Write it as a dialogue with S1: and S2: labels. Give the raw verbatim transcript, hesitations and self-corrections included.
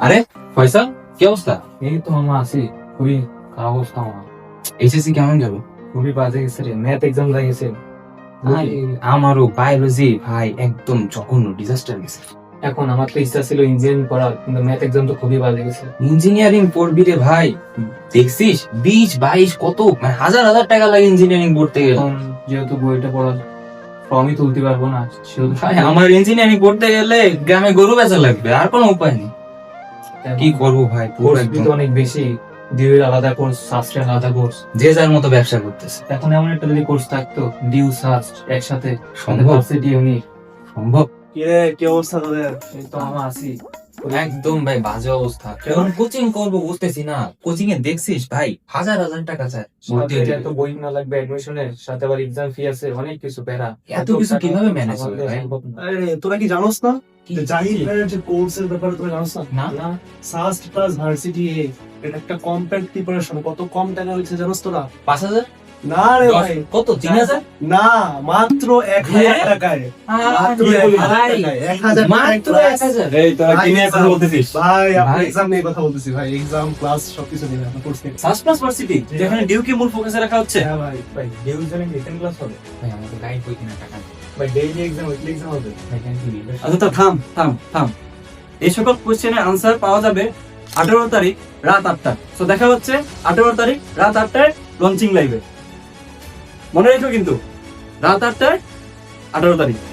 S1: আরে ফয়সাল, কি অবস্থা?
S2: এই তো মামা আছি, খুবই খারাপ অবস্থা আমার।
S1: এইচএসসি কেমন গেল?
S2: খুবই বাজে গেছে রে, ম্যাথ এক্সাম লাগিয়েছে।
S1: ভাই, আমারও বায়োলজি ভাই একদম জঘন্য ডিজাস্টার গেছে।
S2: এখন আমার তো ইচ্ছা ছিল ইঞ্জিনিয়ারিং পড়ার, কিন্তু ম্যাথ এক্সাম তো খুবই বাজে গেছে।
S1: ইঞ্জিনিয়ারিং পড়বি রে ভাই, দেখছিস বিশ বাইশ কত মানে হাজার হাজার টাকা লাগে ইঞ্জিনিয়ারিং পড়তে গেলে।
S2: এখন যেহেতু বইটা পড়ার ফর্মই তুলতে পারবো না, সেহেতু
S1: ভাই আমার ইঞ্জিনিয়ারিং পড়তে গেলে গ্রামে গরু বেচা লাগবে, আর কোনো উপায় নেই। কি করবো ভাই, পুরো
S2: কোর্স
S1: একদম
S2: তো অনেক বেশি, ডিউর আলাদা কোর্স, সাস্টের আলাদা কোর্স।
S1: যে যার মতো ব্যবসা করতেছে।
S2: এখন এমন একটা যদি কোর্স থাকতো ডিউ সাস্ট একসাথে,
S1: সম্ভব?
S2: ডিউ নি
S1: সম্ভব?
S3: কিরে কি অবস্থা তোদের?
S2: এই তো মামা আছি।
S1: একদম ভাই বাজে অবস্থা। এখন কোচিং করবো বুঝতেছি না। কোচিং এ দেখছিস ভাই হাজার হাজার টাকা চায় ভর্তি হতে।
S2: সাথে তো বই না লাগবে অ্যাডমিশনের, সাথে আবার এক্সাম ফি আছে, অনেক কিছু প্যারা।
S1: এত কিছু কিভাবে ম্যানেজ হবে ভাই?
S2: সম্ভব না।
S3: আরে তোরা কি জানোস না
S1: কি?
S3: যে জাহিদ ভাইয়ের যে কোর্সের ব্যাপারে তোরা জানোস না?
S1: না
S2: না,
S3: সাস্ট প্লাস ভার্সিটি এ এটা একটা কম্প্যাক্ট প্রিপারেশন, কত কম টাকা হচ্ছে জানোস তোরা?
S1: পাঁচ হাজার?
S3: না রে
S1: দশ?
S3: ভাই,
S1: কত? তিন হাজার?
S3: না মাত্র এক হাজার
S1: হ্যাঁ?
S3: টাকায়। মাত্র
S1: আরে
S3: এক হাজার
S1: ভাই,
S3: টাকায়, এক হাজার
S1: মাত্র
S3: টাকায়
S1: এক হাজার?
S3: class।
S1: এই তোরা
S3: ভাই,
S1: কি নিয়ে কথা
S3: exam-
S1: বলতেছিস?
S3: ভাই আপনি
S1: ভাই।
S3: এক্সাম নিয়ে কথা বলতেছি ভাই, এক্সাম ক্লাস সবকিছু নিয়ে আপনার কোর্স নিয়ে।
S4: সাস প্লাস ভার্সিটি যেখানে ডিউকে মূল ফোকাসে রাখা হচ্ছে।
S3: হ্যাঁ ভাই,
S2: ভাই ডিউ এক্সামে রিটেন ক্লাস হবে,
S1: ভাই আমাকে গাইড বই কিনা টাকা নেই।
S2: ভাই ডেইলি এক্সাম, উইকলি এক্সাম হবে।
S1: ভাই কেন কি নিবে?
S4: আচ্ছা তা থাম থাম থাম এই সকল কোশ্চেনের আনসার পাওয়া যাবে আঠারো তারিখ রাত আটটা। তো দেখা হচ্ছে আঠারো তারিখ রাত আটটায় লঞ্চিং লাইভে। মনে রেখো কিন্তু রাত আটটায় আঠারো তারিখ।